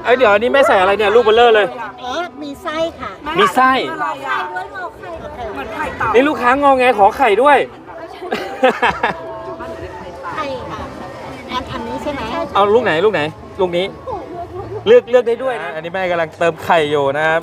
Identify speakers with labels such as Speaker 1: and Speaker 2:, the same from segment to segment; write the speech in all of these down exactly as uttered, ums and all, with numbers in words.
Speaker 1: เอ้ยเดี๋ยวอันนี้แม่ใส่อะไรเนี่ยลูกเบลเลอร์เลย
Speaker 2: อ๋อมีไส้ค่ะ
Speaker 1: มีไส้
Speaker 2: ไข่ด้วยงอไข่เหมือนไข่เต่า
Speaker 1: นี่ลูกค้างอแงขอไข่ด้วย
Speaker 2: ไข่ค่ะอันอันนี้ใช่ไหม
Speaker 1: เอาลูกไหนลูกไหนลูกนี้เลือกเลือกได้ด้วยนะอันนี้แม่กำลังเติมไข่อยู่นะครับ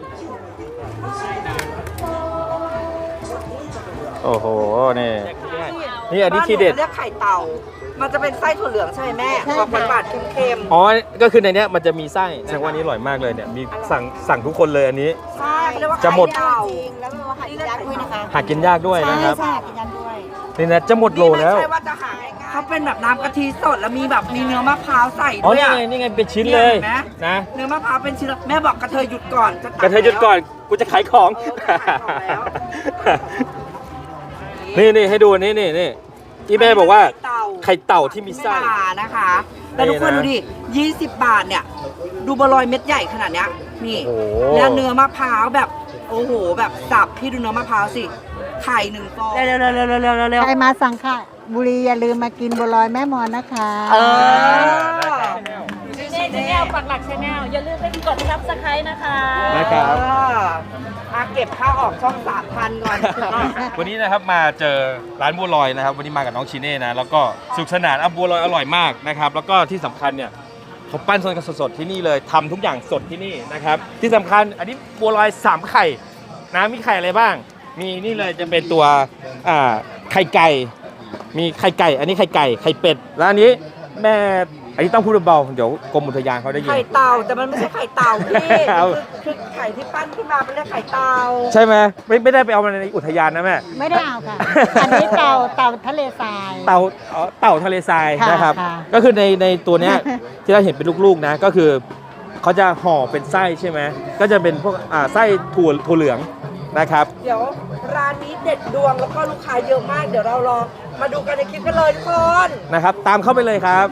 Speaker 1: โอ้โหนี่นี่อันนี้ทีเด็ด
Speaker 3: เรียกไข่เต่ามันจะเป็นไส้ถั่วเหลืองใช่ไหมแม่หวานหวานเค็ม
Speaker 1: ๆอ๋อก็คือในนี้มันจะมีไส้แสดงว่านี้อร่อยมากเลยเนี่ยมีสั่งสั่งทุกคนเลยอันนี้
Speaker 3: ใช่เรียกว่า
Speaker 1: จะหมด
Speaker 3: ไข่เต่า
Speaker 2: จริงแล้วก็หากินยากด้วยนะคะ
Speaker 1: หากินยากด้วยนะครับ
Speaker 2: ใช่กินยากด้วย
Speaker 1: นี่นะจะหมดโลแล้ว
Speaker 3: ไม่ใช่ว่าจะหาง่ายๆเขาเป็นแบบน้ำกะทิสดแล้วมีแบบมีเนื้อมะพร้าวใส่ด้วย
Speaker 1: อ๋อนี่ไงนี่ไงเป็นชิ้นเลยนะ
Speaker 3: เนื้อมะพร้าวเป็นชิ้นแม่บอกกระเทยหยุดก่อน
Speaker 1: กระเทยหยุดก่อนกูจะขายของนี่นี่ให้ดูนี่นี่นี่ที่แม่บอกว่าไข่เต่าที่มีไส้
Speaker 3: นะคะแล้วทุกคนดูดิยี่สิบบาทเนี่ยดูบะลอยเม็ดใหญ่ขนาดเนี้ยนี่แล้วเนื้อมะพร้าวแบบโอ้โหแบบสับพี่ดูเนื้อมะพร้าวสิไข่หนึ่งฟองเร็วเร็วเร็วเร็วเร็วเร็ว
Speaker 2: ใครมาสั่งค่ะบุรีอย่าลืมมากินบัวลอยแม่มอนนะคะ
Speaker 3: เออ
Speaker 4: เชนแนลปักหลักชแนลอย่าลืมไปกดซับสไครต์นะคะ
Speaker 1: นะครับ
Speaker 3: อาเก็บค่าออกช่องสามพันก่อน
Speaker 1: วันนี้นะครับมาเจอร้านบัวลอยนะครับวันนี้มากับน้องชิเน่นะแล้วก็สุขสนานบัวลอยอร่อยมากนะครับแล้วก็ที่สำคัญเนี่ยเขาปั้นสดๆที่นี่เลยทำทุกอย่างสดที่นี่นะครับที่สำคัญอันนี้บัวลอยสามไข่นะมีไข่อะไรบ้างมีนี่เลยจะเป็นตัวอ่าไข่ไก่มีไข่ไก่อันนี้ไข่ไก่ไข่เป็ดแล้วอันนี้แม่อันนี้ต้องพูดเบาๆเดี๋ยวกรมอุทยานเขาได้ยิน
Speaker 3: ไข่เต่าแต่มันไม่ใช่ไข่เต่าพี่คือไข่ที่ปั้นขึ้นมาเป็นเรียกไข่เต่า
Speaker 1: ใช่ไหมไม่ไม่ได้ไปเอามาในอุทยานนะแม่
Speaker 2: ไม่ได้เอาค่ะอันนี้เต่าเต่าทะเลทราย
Speaker 1: เต่าเต่าทะเลทรายนะครับก็คือในในตัวเนี้ยที่เราเห็นเป็นลูกๆนะก็คือเขาจะห่อเป็นไส้ใช่ไหมก็จะเป็นพวกอ่าไส้ถั่วถั่วเหลืองนะครับ
Speaker 3: เดี๋ยวร้านนี้เด็ดดวงแล้วก็ลูกค้าเยอะมากเดี๋ยวเราลองมาดูกันในคลิปกันเลยทุกคน
Speaker 1: นะครับตามเข้าไปเลยครับ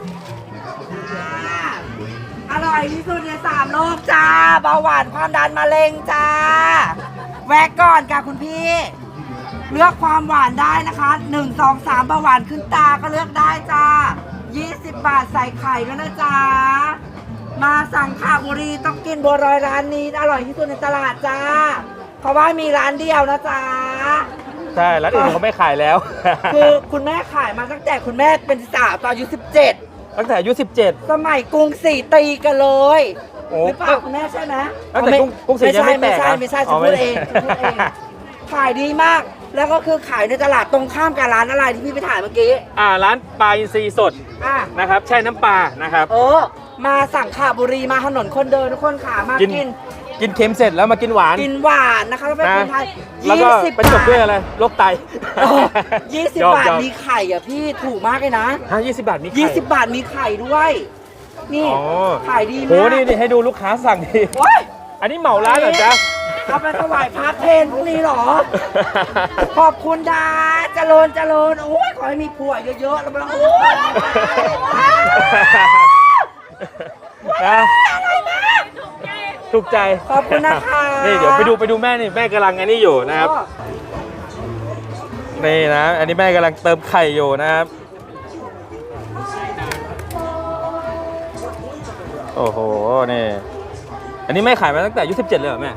Speaker 3: อร่อยที่สุดในสามโลกจ้าเบาหวานความดันมะเร็งจ้าแวะก่อนค่ะคุณพี่เลือกความหวานได้นะคะหนึ่ง สอง สามเบาหวานขึ้นตาก็เลือกได้จ้ายี่สิบบาทใส่ไข่ด้วยนะจ๊ะมาสั่งขาบุรีต้องกินบัวลอยร้านนี้อร่อยที่สุดในตลาดจ้าเพราะว่ามีร้านเดียวนะจ๊ะ
Speaker 1: ใช่ร้านอื่นเขาไม่ขายแล้ว
Speaker 3: คือคุณแม่ขายมาตั้งแต่คุณแม่เป็นสาวตอนอายุสิบเจ็ด
Speaker 1: ตั้งแต่อายุสิบเจ็ด
Speaker 3: สมัยกรุงศรีตีกันเลยหรือเปล่าคุณแม่ใช่ไหม
Speaker 1: ตั้งแต่กรุงศรียังไม่แตก
Speaker 3: ไม่ใช่ไม่ใช่ฉันพูดเองฉันพูดเองขายดีมากแล้วก็คือขายในตลาดตรงข้ามกับร้านอะไรที่พี่ไปถ่ายเมื่อกี้
Speaker 1: อ่าร้านปลาอินทรีสดนะครับแช่น้ำปลานะครับ
Speaker 3: เออมาสั่งขาบุรีมาถนนคนเดินทุกคนขามากิน
Speaker 1: กินเค็มเสร็จแล้วมากินหวาน
Speaker 3: กินหวานนะคะแล้วเป็นคนไทย
Speaker 1: แล้วก็เป็นจบด้วยอะไรโรคไต
Speaker 3: ยี่สิบบาทมีไข่อ่ะพี่ถูกมากเลยนะ
Speaker 1: ฮะยี่สิบบาทมีไข่
Speaker 3: ยี่สิบบาทมีไข่ด้วยนี่ขายดีมาก
Speaker 1: โหนี่นี่ให้ดูลูกค้าสั่งดีอันนี้เหมาร้านเหรอจ๊ะ
Speaker 3: เอาไปถวายพระเพลพรุ่งนี้หรอขอบคุณดาเจริญเจริญโอ้ยขอให้มีผัวเยอะๆแล้วมาโอ้ย
Speaker 1: นะถูกใจ
Speaker 3: ขอบคุณนะคะ
Speaker 1: นี่เดี๋ยวไปดูไปดูแม่นี่แม่กำลังอันนี้อยู่นะครับนี่นะอันนี้แม่กำลังเติมไข่อยู่นะครับโอ้โหนี่อันนี้แม่ขายมาตั้งแต่อายุสิบเจ็ดเลยเหรอแม่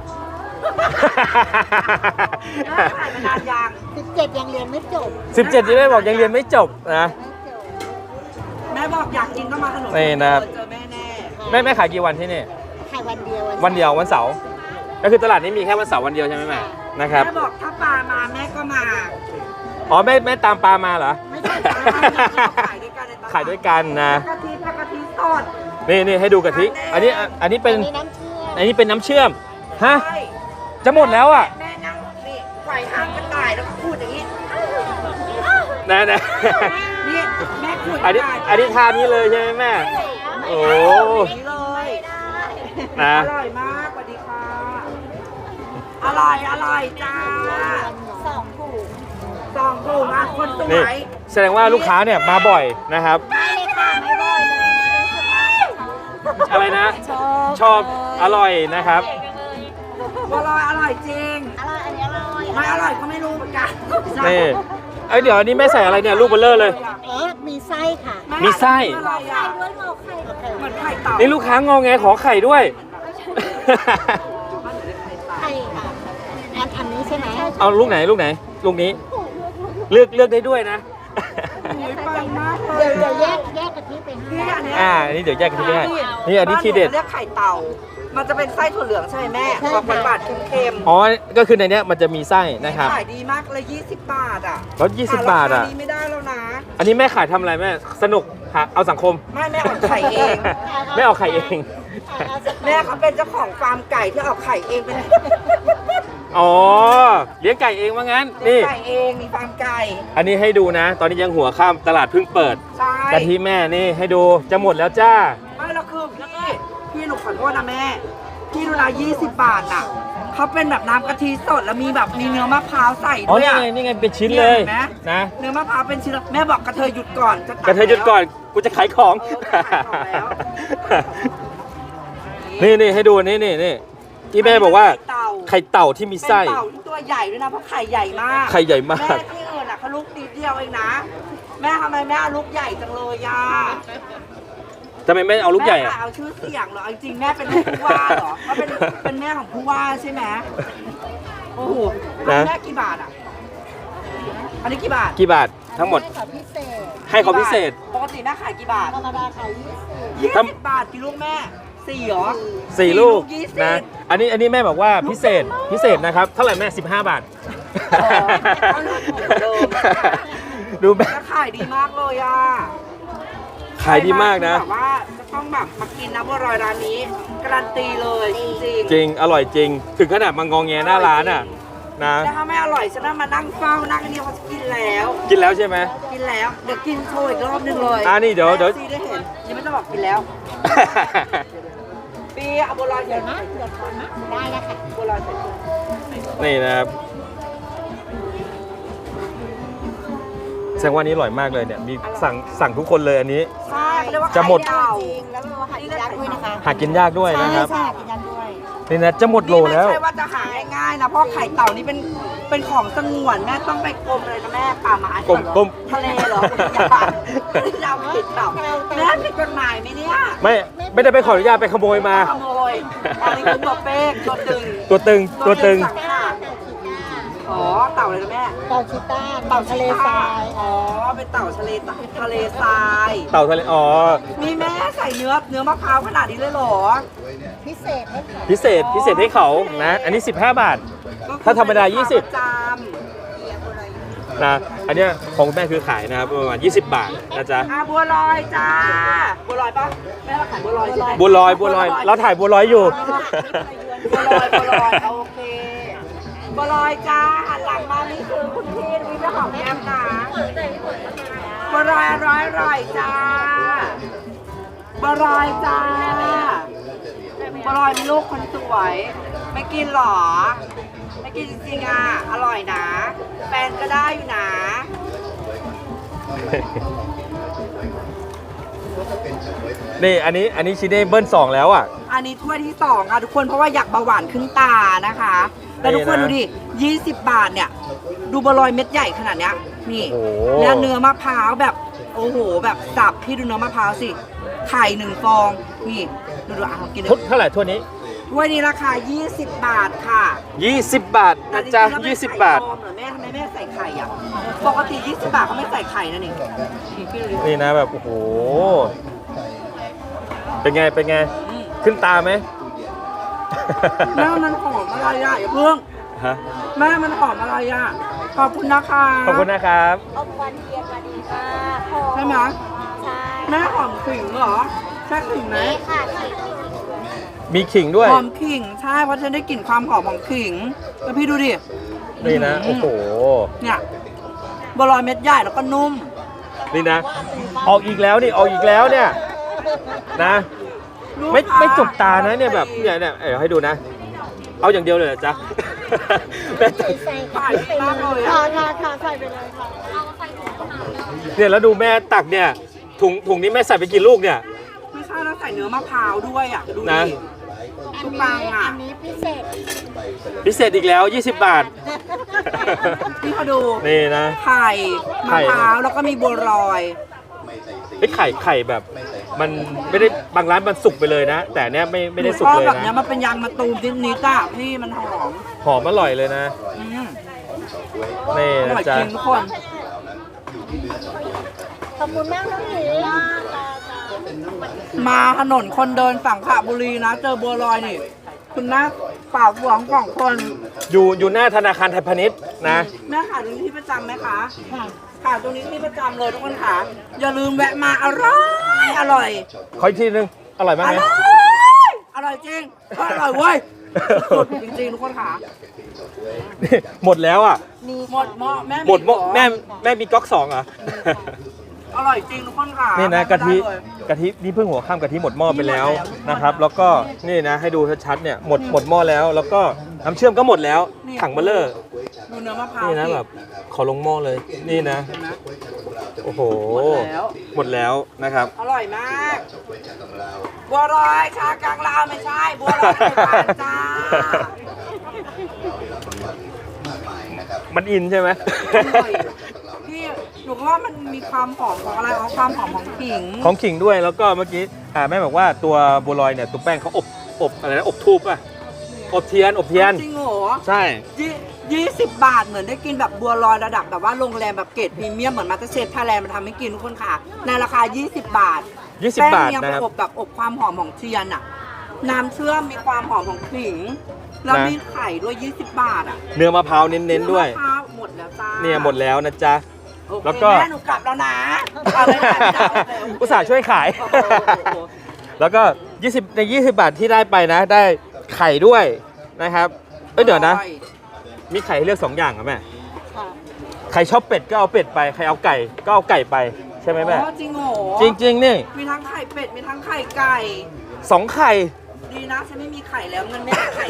Speaker 3: ขายมานานยัง
Speaker 2: สิบเจ็ดยังเรียนไม่จบ
Speaker 1: สิบเจ็ดที่แม่บอกยังเรียนไม่จบนะ
Speaker 3: แม่บอกอยากกินก็มาขนม
Speaker 1: นี่นะ
Speaker 3: เจอแม่แน่
Speaker 1: แม่แม่ขายกี่วันที่นี่
Speaker 2: ขายวันเดียว
Speaker 1: วันเดียววันเสาร์ก็คือตลาดนี้มีแค่วันเสาร์วันเดียวใช่ไหมแม่นะครับ
Speaker 3: แม่บอกถ้าปลามาแม่ก็มา
Speaker 1: อ๋อแม่แม่ตามปลามาเหรอ
Speaker 3: ไม่ใช่ขายด้วยกัน
Speaker 1: ขายด้วยกันนะ
Speaker 3: กะทิกะทิสด
Speaker 1: นี่นี่ให้ดูกะทิอันนี้อันนี้เป็นอันนี้เป็นน้ำเชื่อมฮะจะหมดแล้วอ่ะ
Speaker 3: แม่นั่งนี่ไขว่ห้างกระต่ายแล้วก็พูดอย่างนี้
Speaker 1: นะนะ
Speaker 3: นี่แม่พูด
Speaker 1: อันนี้อันนี้ทานนี้เลยใช่ไหมแม่โอ้
Speaker 3: นี่เลย
Speaker 1: นะ
Speaker 3: อร่อยมากสวัสดีค่ะอร่อยอร่อยจ้า
Speaker 2: สองถุง
Speaker 3: สองถุงอ่ะคนสวย
Speaker 1: แสดงว่าลูกค้าเนี่ยมาบ่อยนะครับ
Speaker 2: ไม่เลยค่ะไม่บ่อยเลย
Speaker 1: อะไรนะชอบอร่อยนะครับ
Speaker 3: อร่อยอร่อยจริง
Speaker 2: อร่อยอันนี้อร่อย
Speaker 3: ไม่อร่อยก็ไม่รู้เหมือนกัน
Speaker 1: นี่เอ้ยเดี๋ยวอันนี้แม่ใส่อะไรเนี่ยลูกเบลเลอร์เลย
Speaker 2: อ๋อมีไส้ค่ะ
Speaker 1: มีไส้
Speaker 2: ไข่ด้วยงอไข่
Speaker 3: เหมือนไไข่เต่า
Speaker 1: นี่ลูกค้างอแงขอไข่ด้วย
Speaker 2: ใช่ค่ะอันอันนี้ใช่ไหม
Speaker 1: เอาลูกไหนลูกไหนลูกนี้ เลือกเลือกได้ด้วยนะ
Speaker 3: ปังมากเล
Speaker 2: เดี๋ย
Speaker 3: ยว
Speaker 2: เดี๋ยวแยกแยกกะทิไปให้
Speaker 3: พี่อันเนี้ย
Speaker 1: อ่าอันนี้เดี๋ยวแยกกันที่ได้นี่อันนี้ทีเด็ด
Speaker 3: บ้าหนูเรียกไข่เต่า มันจะเป็นไส้ถั่วเหลืองใช่ไหมแม่กว่าบาทเค็มๆ
Speaker 1: อ๋อก็คือในเนี้ยมันจะมีไส้นะครับ
Speaker 3: ขายดีมากเลยยี่สิบบาทอ่ะ
Speaker 1: แล้วยี่สิบบาทอ่ะ
Speaker 3: รคนี้ไม่ได้แล้วนะ
Speaker 1: อันนี้แม่ขายทำอะไรแม่สนุกหาเอาสังคม
Speaker 3: ไม่แม่ออกไข่เอง
Speaker 1: แม่เอาไข่เอง
Speaker 3: แม่เขาเป็นเจ้าของฟาร์มไก่ที่ออกไข่เองเป็น
Speaker 1: อ๋อเลี้ยงไก่เองว่างั้น
Speaker 3: เลี้ย
Speaker 1: นี่
Speaker 3: งไก่เองมีฟาร์มไก่
Speaker 1: อันนี้ให้ดูนะ ตอนนี้ยังหัวค่ำตลาดเพิ่งเปิด
Speaker 3: ใช่
Speaker 1: กะทิแม่นี่ให้ดูจะหมดแล้วจ้า
Speaker 3: ไม่แล้วคือพี่พี่หนูขอโทษนะแม่พี่ดูนะยี่สิบบาทอ่ะเขาเป็นแบบน้ำกะทิสดแล้วมีแบบมีเนื้อมะพร้าวใส่
Speaker 1: อ๋อ
Speaker 3: ด้วย
Speaker 1: นี่
Speaker 3: อะ
Speaker 1: ไงนี่ไงเป็นชิ้นเลย
Speaker 3: ห็ไหม
Speaker 1: นะ
Speaker 3: เนื้อมะพร้าวเป็นชิ้นแม่บอกกระเทยหยุดก่อนจะตั
Speaker 1: กระเทยหยุดก่อนกูจะขายของ
Speaker 3: เออจะขายของแล้ว
Speaker 1: นี่นี่ให้ดูนี่นี่นี่ที่แม่บอกว่า
Speaker 3: ไข่เต่า
Speaker 1: ไข่เต่าที่มี
Speaker 3: เป็น
Speaker 1: ไส้
Speaker 3: เต่าที่ตัวใหญ่ด้วยนะเพราะไข่ใหญ่มาก
Speaker 1: ไข่ใหญ่มาก
Speaker 3: แม่ที่อื่นอ่ะเขาลูกนิดเดียวเองนะ แม่ทำไมแม่เอาลูกใหญ่จังเลยย่า
Speaker 1: ทำไมไม่เอาลูกใหญ่
Speaker 3: แม่
Speaker 1: อะ
Speaker 3: เอาชื่อเสียงเหรอจริงๆแม่เป็นลูกผู้ว่าเหรอเขาเป็นเป็นแม่ของผู้ว่าใช่ไหมโอ้โหอันนี้แม่กี่บาทอ่ะอันนี้กี่บาท
Speaker 1: กี่บาททั้งหมด
Speaker 2: ให้เขาพิเศษ
Speaker 1: ให้เขาพิเศษ
Speaker 3: ปกติแม่ขายกี่บาท
Speaker 2: ธรรมดาขายยี่สิบ
Speaker 3: ยี่
Speaker 1: ทำ
Speaker 3: สิบบาทกี่ลูกแม่สี่เหรอ
Speaker 1: สี่ลูก
Speaker 3: ยี่สิบ
Speaker 1: นะ อันนี้อันนี้แม่บอกว่าพิเศษพิเศษนะครับ เท่าไหร่แม่สิบห้าบาท
Speaker 3: อ๋อเอาลูกถูกเดิม
Speaker 1: ดูแม่
Speaker 3: แล้วขายดีมากเลยอ่ะ
Speaker 1: ขายดีมากนะ
Speaker 3: แบบว่าจะต้องแบบมากินนะบัวลอยร้านนี้การันตีเลยจริงๆ
Speaker 1: จริงอร่อยจริง ถึงขนาดมางองแงหน้าร้านอ่ะนะ
Speaker 3: แต่ถ้าไม่อร่อยฉันน่ะมานั่งเฝ้านั่งอันนี้เขาจะกินแล้ว
Speaker 1: กินแล้วใช่ไหม
Speaker 3: กินแล้วเดี๋ยวกินโชว์อีกรอบหนึงเลย
Speaker 1: อ่านี่เดี๋ยวเดี๋ยว
Speaker 3: แม่ซีได้เห็นยังไม่ต้องบอกกินแล้วปีเอาบัวลอยใส่
Speaker 2: นะเดี๋ยวก่อนนะได้แล้วค่ะ
Speaker 3: บัวลอยใส่
Speaker 1: นี่นะครับแสดงว่านี้อร่อยมากเลยเนี่ยมีสั่งสั่งทุกคนเลยอันนี้
Speaker 3: ใช่เขาเรียกว่า
Speaker 1: จะหมด
Speaker 3: ไข่เต่า
Speaker 2: จริงแล้วเราหากินยากด้วยนะคะ
Speaker 1: หากินยากด้วยนะครับ
Speaker 2: ใช่กินยากด้วย
Speaker 1: นี่นะจะหมดโล
Speaker 3: นี่
Speaker 1: แล้ว
Speaker 3: ไม่ใช่ว่าจะหาง่ายๆนะเพราะไข่เต่านี่เป็นเป็นของสงวนแม่ต้องไปกรมเลยนะแม่ป่าไม้
Speaker 1: กรมกรม
Speaker 3: ทะเลเหรออย่าป่าที่เราไข่เต่าแม่ผิดกฎหมายไหมเนี่ย
Speaker 1: ไม่ไม่ได้ไปขออนุญาตไปขโมยมา
Speaker 3: ขโมยอันนี้คือตัวเป๊กตัวตึง
Speaker 1: ตัวตึงตัวตึง
Speaker 3: สัขาอ๋อเต่าเลยนะแม่
Speaker 2: เต่าชิต้าเต่าทะเลทราย
Speaker 3: อ๋อเป็นเต่าทะเลทะเลทราย
Speaker 1: เต่าทะเลอ๋อ
Speaker 3: มีแม่ใส่เนื้อเนื้อมะพร้าวขนาดนี้เลยเหรอ
Speaker 2: พิเศษให้เขา
Speaker 1: พิเศษพิเศษให้เขานะ อันนี้สิบห้าบาท ถ้าธรรมดายี่สิบ
Speaker 3: จาม
Speaker 1: นะอันเนี้ยของคุณแม่คือขายนะครับประมาณยี่สิบบาทนะจ๊ะ
Speaker 3: อ่ะบัวลอยจ้าบัวลอยปะแม่เราขายบัวลอยใช่ไหม
Speaker 1: บัวลอยบัวลอยเราถ่ายบัวลอยอยู่
Speaker 3: บัวลอยบัวลอยโอเคบัวลอยจ้าหันหลังมานี่คือคุณพี่วิเจ้าของแก้มนะบัวลอยอร่อยอร่อยจ้าบัวลอยจ้าบัวลอยมีลูกคนสวย ไม่กินหรอ ไม่กินจริงๆอ่ะอร่อยนะแฟนก็ได้อยู่นะ
Speaker 1: นี่อันนี้อันนี้ชิเน่เบิ้ลสองแล้วอ่ะ
Speaker 3: อันนี้ถ้วยที่สองค่ะทุกคนเพราะว่าอยากเบาหวานขึ้นตานะคะแล้วทุกคน
Speaker 1: นี่
Speaker 3: ดู
Speaker 1: นะ
Speaker 3: ดิยี่สิบบาทเนี่ย ดูบัวลอยเม็ดใหญ่ขนาดเนี้ยนี่
Speaker 1: โอ้โห
Speaker 3: แล้วเนื้อมะพร้าวแบบโอ้โหแบบสับพี่ดูเนื้อมะพร้าวสิไข่หนึ่งฟองนี่ดูดูอ่ะกินดู
Speaker 1: ทุกเท่าไหร่ทั่วนี้
Speaker 3: ถ้วยนี้ราคายี่สิบบาทค่ะ
Speaker 1: ยี่สิบบาทนะจ๊ะ
Speaker 3: แต่จริงๆแล้ว
Speaker 1: ยี่สิบ
Speaker 3: ไม่
Speaker 1: บาท
Speaker 3: ใส่ฟองเหรอแม่ทำไมแม่ใส่ไข่อ่ะปกติยี่สิบบาทเขาไม่ใส่ไข่นะนี่นี่พี่ดูดิ
Speaker 1: นี่นะแบบโอ้โหเป็นไงเป็นไง
Speaker 3: อืม
Speaker 1: ขึ้นตาไหม
Speaker 3: แม่มันหอมอะไรอ่ะอย่าเพิ่ง
Speaker 1: ฮะ
Speaker 3: แม่มันหอมอะไรอ่ะ ขอบคุณนะคะ
Speaker 1: ขอบคุณนะครับ
Speaker 2: อมควันเทียนมาดีค่ะ
Speaker 3: ใช่ไหม
Speaker 2: ใช่
Speaker 3: แม่หอมขิงเหรอ ใช่ขิงไหม
Speaker 2: ค่ะ
Speaker 1: มีขิงด้วย
Speaker 3: หอมขิง ใช่ เพราะฉันได้กลิ่นความหอมของขิง แล้วพี่ดูดิ
Speaker 1: นี่นะโอ้โห
Speaker 3: เนี่ยบัวลอยเม็ดใหญ่แล้วก็นุ่ม
Speaker 1: นี่นะ ออกอีกแล้วนี่ออกอีกแล้วเนี่ยนะ ไม่ไม่จบตานะเนี่ยแบบเนี่ยเนี่ยเออให้ดูนะ เอาอย่างเดียวเลยเหรอจ๊ะ แม่จะ
Speaker 2: ใส่
Speaker 3: ขายดีมากเลย
Speaker 2: ค่ะ
Speaker 3: อะ
Speaker 2: ค่ะค่ะใส่ไปเลยค่ะ
Speaker 1: เนี่ยแล้วดูแม่ตักเนี่ยถุงถุงนี้แม่ใส่ไปกี่ลูกเนี่ย
Speaker 3: ไม่ใช่แล้วใส่เนื้อมะพร้าวด้วยอ่ะ ดู
Speaker 1: นะ
Speaker 3: ดิทุกปังอ่ะ
Speaker 2: อันนี้พิเศษ
Speaker 1: พิเศษอีกแล้วยี่สิบบาท
Speaker 3: นี่เขาดู
Speaker 1: นี่นะ
Speaker 3: ไข่
Speaker 1: ไข่
Speaker 3: มะพร้าวแล้วก็มีบัวลอย
Speaker 1: ไอ้ไข่ไข่แบบมันไม่ได้บางร้านมันสุกไปเลยนะ แต่เนี้ยไม่ไม่ได้สุกเลย
Speaker 3: แบบ
Speaker 1: นะ
Speaker 3: เนี้ยมันเป็นยางมะตูมนิดๆอ่ะพี่มันหอม
Speaker 1: หอมอร่อยเลยนะ
Speaker 3: อืม
Speaker 1: นี่
Speaker 3: อ
Speaker 1: นะ
Speaker 3: ร่อย
Speaker 1: จ๊ะ
Speaker 3: จริงทุกคน
Speaker 4: ขอบคุณมากน้องหมี
Speaker 3: มาถนนคนเดินสังขบุรีนะ เจอบัวลอยนี่ คุณแม่เปล่าหวงกล่องคน
Speaker 1: อยู่อยู่หน้าธนาคารไทยพาณิชย์นะ
Speaker 3: แม่ขายตรงนี้ที่ประจำไหมคะค่ะขายตรงนี้ที่ประจำเลยทุกคนค่ะอย่าลืมแวะมาอร่อยอร่อย
Speaker 1: ขออีกทีนึง อร่อยมาก
Speaker 3: อ
Speaker 1: ไหม
Speaker 3: ร่อยอร่อยจริงอร่อยเว้ยสุดจริงๆทุกคนค่ะ
Speaker 1: นี่หมดแล้วอ่ะ
Speaker 3: หมดหม้อแม่
Speaker 1: หมดหม้อ
Speaker 3: ขอ
Speaker 1: แม่แม่มีก๊อกสองเหรอ
Speaker 3: อร่อยจริงทุกคนค่ะ
Speaker 1: นี่นะกะทิ
Speaker 3: ได้เลย
Speaker 1: กะทินี่เพิ่งหัวข้ามกะทิหมดหม้อไปแล้ว
Speaker 3: หมดแล้ว
Speaker 1: นะครับ แล้วก็นี่นะให้ดูชัดๆเนี่ยหมดหมดหม้อแล้ว แล้วก็น้ำเชื่อมก็หมดแล้ว
Speaker 3: นี่
Speaker 1: ถังเบลเลอร์
Speaker 3: ดูเนื้อมะพร้าว
Speaker 1: นี่นะ
Speaker 3: สิ
Speaker 1: แบบขอลงหม้อเลยนี่นะ
Speaker 3: เห็นไหม
Speaker 1: โอ้โห
Speaker 3: หมดแล้ว
Speaker 1: หมดแล้วนะครับ
Speaker 3: อร่อยมากบัวลอยชากลางลาวไม่ใช่บัวลอยไทยบ้านจ้า
Speaker 1: มันอินใช่ไหม
Speaker 3: อร่อยพี่หนูก็ว่ามันมีความหอมของอะไรอ๋อความหอมของขิง
Speaker 1: ของขิงด้วยแล้วก็เมื่อกี้อ่าแม่บอกว่าตัวบัวลอยเนี่ยตัวแป้งเขาอบอบอะไรนะอบทูบป่ะอบเทียนอบเทียน
Speaker 3: จริงเหรอ
Speaker 1: ใช่
Speaker 3: ยี่ยี่สิบบาทเหมือนได้กินแบบบัวลอยระดับแบบว่าโรงแรมแบบเกรดพรีเมียมเหมือนมาสเตอร์เชฟไทยแลนด์มาทำให้กินทุกคนค่ะ ในราคา ยี่สิบบาท
Speaker 1: ยี่สิบ
Speaker 3: แป้ง
Speaker 1: บาท
Speaker 3: เนี่ย
Speaker 1: นะครับ
Speaker 3: อบแบบอบความหอมของเทียนอะน้ำเชื่อมมีความหอมของขิง แล้ว
Speaker 1: นะ
Speaker 3: มีไข่ด้วย ยี่สิบบาทอะ
Speaker 1: เนื้อมะพร้าวเน้นๆด้วย
Speaker 3: มะพร้าวหมดแล้วจ้า
Speaker 1: เนี่ยหมดแล้วนะจ๊ะ
Speaker 3: โอเค
Speaker 1: แล้วก็
Speaker 3: แม่หนูกลับแล้วนะเอาไม่ได้ไม่ได้โอเค
Speaker 1: อุตส่าห์ช่วยขาย
Speaker 3: โอ้โหโอ้โห
Speaker 1: แล้วก็ยี่สิบในยี่สิบบาทที่ได้ไปนะ ได้ไข่ด้วยนะครับเอ้ยเดี๋ยวนะ
Speaker 3: อร่อ
Speaker 1: มีไข่ให้เลือกสองอย่างอ่ะแม่
Speaker 2: ค่ะ
Speaker 1: ใครชอบเป็ดก็เอาเป็ดไปใครเอาไก่ก็เอาไก่ไปใช่ไหมแม่
Speaker 3: อ๋อจริงเหรอ
Speaker 1: จริงๆนี่
Speaker 3: มีทั้งไข่เป็ดมีทั้งไข่ไก่
Speaker 1: สองไข่
Speaker 3: ดีนะฉันไม่มีไข่แล้วเงินไม่ได้ไข่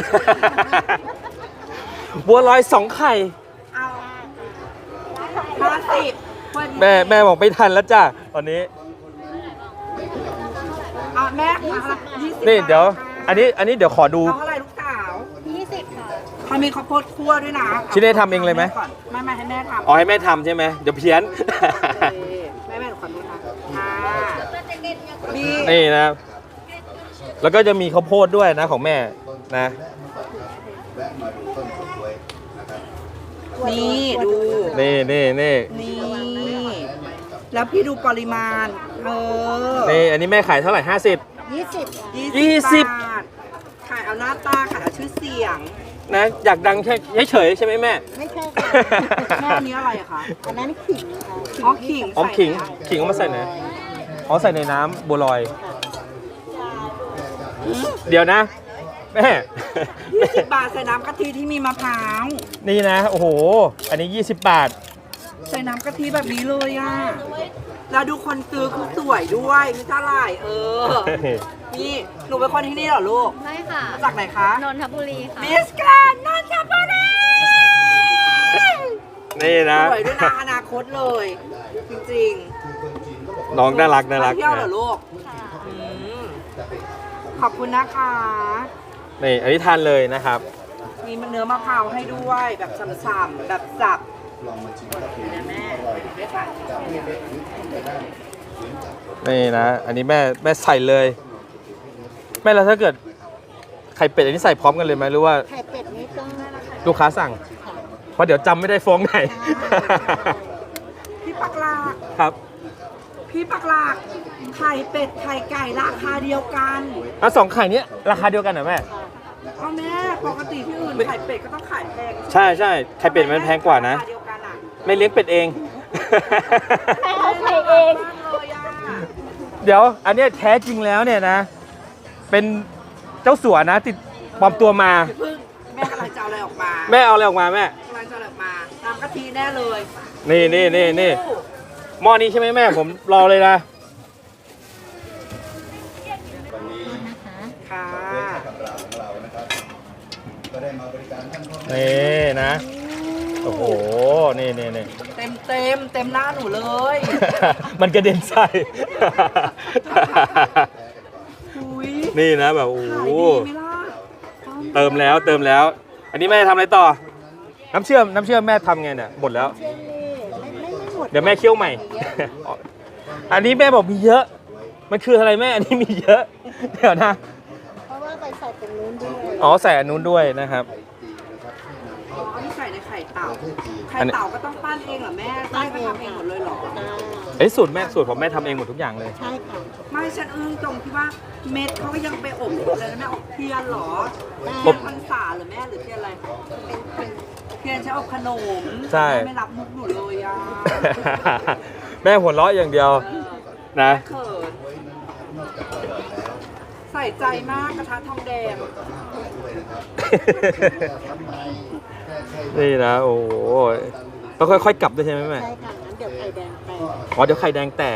Speaker 1: บัวลอยสองไข่
Speaker 3: เอาห้าสิบ
Speaker 1: แม่แม่บอกไม่ทันแล้วจ้ะตอนนี้
Speaker 3: อ่ะแม่ค่ะยี่สิบ
Speaker 1: นี่เดี๋ยว อันนี้อันนี้เดี๋ยวขอดู
Speaker 3: เอาเท่าไหร่ลูกสาว
Speaker 4: ยี่สิบค่ะ
Speaker 3: เขามีข้าวโพดคั่วด้วยนะ
Speaker 1: ชิเน่ทำเองเลยไหม
Speaker 3: ก่อนไม่ไม่ให้แม่ทำ
Speaker 1: อ๋อให้แม่ทำใช่ไหมเดี๋ยวเพี้ยน
Speaker 3: โอเคแม่แม่หนูขอดูนะค่ะมี
Speaker 1: นี่นะ แล้วก็จะมีข้าวโพดด้วยนะของแม่นะ
Speaker 3: นี่ดู
Speaker 1: นี่นี่นี่
Speaker 3: นี่ แล้วพี่ดูปริมาณ เออ
Speaker 1: นี่อันนี้แม่ขายเท่าไหร่ห้าสิบ
Speaker 2: ยี่สิบ
Speaker 1: ยี่สิบ
Speaker 3: บาทขายเอาหน้าตาขายเอาชื่อเสียง
Speaker 1: นะอยากดังแค่เฉยๆใช่ไหมแม่
Speaker 2: ไม่ใช่ค่ะ
Speaker 3: แม่อันนี้อะไรอะคะ
Speaker 2: อันนั้นขิงค่ะ
Speaker 3: อ๋อขิง
Speaker 1: อ๋อขิง
Speaker 3: ใส่
Speaker 1: ขิงเอามาใส่ไหนอ๋อใส่ในน้ำบัวลอย เดี๋ยวนะ แม่
Speaker 3: ยี่สิบบาทใส่น้ำกะทิที่มีมะพร้าว
Speaker 1: นี่นะ โอ้โห อันนี้ยี่สิบบาท
Speaker 3: ใส่น้ำกะทิแบบนี้เลยอ่ะ แล้วดูคนซื้อคือสวยด้วยมีเท่าไหร่เออ นี่หนูเป็นคนที่นี่เหรอลูก
Speaker 4: ไม่ค่ะ
Speaker 3: จากไหนคะ
Speaker 4: นนทบุรีค่ะ
Speaker 3: มิสแกรนด์นนทบุรี
Speaker 1: นี่นะ
Speaker 3: สวยด้วยนะอนาคตเลย จริง
Speaker 1: น้องน่ารัก
Speaker 3: ๆ
Speaker 1: น่ารัก
Speaker 3: มาเที่ยวเหรอ
Speaker 1: นะ
Speaker 3: ลูก
Speaker 4: ค่ะ
Speaker 3: อืมขอบคุณนะคะ
Speaker 1: นี่อันนี้ทานเลยนะครับ
Speaker 3: มีเนื้อมะพร้าวให้ด้วยแบบฉ่ำๆแบบสับนะแม่ได้ค่ะ
Speaker 1: นี่นะ อันนี้แม่แม่ใส่เลย แม่แล้วถ้าเกิดไข่เป็ดอันนี้ใส่พร้อมกันเลยไหมหรือว่า
Speaker 2: ไข่เป็ดนี่ต้อง
Speaker 1: ลูกค้าสั่ง เพราะเดี๋ยวจำไม่ได้ฟ้องไหน
Speaker 3: พี่ปักหลาก
Speaker 1: ครับ
Speaker 3: พี่ปักหลากไข่เป็ดไข่ไก่ราคาเดียวกัน
Speaker 1: แล้วสองไข่เนี้ยราคาเดียวกันเหรอแม่
Speaker 3: เอาแม่ปกติที่อื่นไข่เป็ดก็ต้องขายแพง
Speaker 1: ใช่ใช่ไข่เป็ดมันแพงกว่านะ
Speaker 3: รคเดียวกันอะ
Speaker 1: ไม่เลี้ยงเป็ดเอง
Speaker 4: เอาไข่เอง
Speaker 3: มากเลยอะ
Speaker 1: เดี๋ยว อันเนี้ยแท้จริงแล้วเนี่ยนะ เป็นเจ้าสัวนะ ติดปลอมตัวมา
Speaker 3: เพิ่งแม่กำลังจะเอาอะไรออกมา
Speaker 1: แม่เอาอะไรออกมาแม่
Speaker 3: กำลังจะเอาอะไรออกมาน้ำกะทิแน่เลย
Speaker 1: นี่นี่นี่นี่หม้อนี้ใช่ไหมแม่ ผมรอเลยนะ
Speaker 3: ค่ะ
Speaker 1: นี่นะ โอ้โห นี่นี่นี่
Speaker 3: เต็มเต็มเต็มหน้าหนูเลย
Speaker 1: มันกระเด็นใส่
Speaker 3: อุ้ย
Speaker 1: นี่นะแบบโอ้โห
Speaker 3: ขายดีไหมล่ะ
Speaker 1: เติมแล้วเติมแล้ว อันนี้แม่ทำอะไรต่อ น้ำเชื่อมน้ำเชื่อมแม่ทำไงเนี่ยหมดแล้ว
Speaker 2: เช่นนี่ไม่ไม่ไม่หมด
Speaker 1: เดี๋ยวแม่เคี่ยวใหม่ อันนี้แม่บอกมีเยอะมันคืออะไรแม่อันนี้มีเยอะเดี๋ยวนะ
Speaker 2: เพราะว่าไปใส่ตรงนู้นด้วย
Speaker 1: อ๋อใส่อันนู้นด้วยนะครับ
Speaker 3: อ๋ออันนี้ใส่ในไข่เต่า ไข่
Speaker 1: อันนี้
Speaker 3: เต่าก็ต้องปั้นเองเหรอแม่ไส้ก็ทำเองหมดเลยเหรอ
Speaker 1: เอ้ยสูตรแม่สูตรผมแม่ทำเองหมดทุกอย่างเลย
Speaker 2: ใช่ค่ะ
Speaker 3: ไม่ฉันอึ้งตรงที่ว่าเม็ดเขาก็ยังไปอบอยู่เลยนะแม่อบเทียนเหรอ
Speaker 2: ได้
Speaker 3: เทียนพรรษาเหรือแม่หรือเทียนอะไร เทียนใช้อบขนม
Speaker 1: ใช่
Speaker 3: แม่ไม่รับมุกหนูเลยอ่ะ
Speaker 1: แม่หัวเราะอย่างเดียว
Speaker 3: เออ
Speaker 1: นะ
Speaker 3: แม่เขินใส่ใจมากกระทะทองแดง
Speaker 1: นี่นะโอ้โหต้องค่อยๆกลับด้วยใช่ไหมแม่
Speaker 2: ใช่ค่ะงั้นเดี๋ยวไข่แดงแตก
Speaker 1: อ๋อเดี๋ยวไข่แดงแตก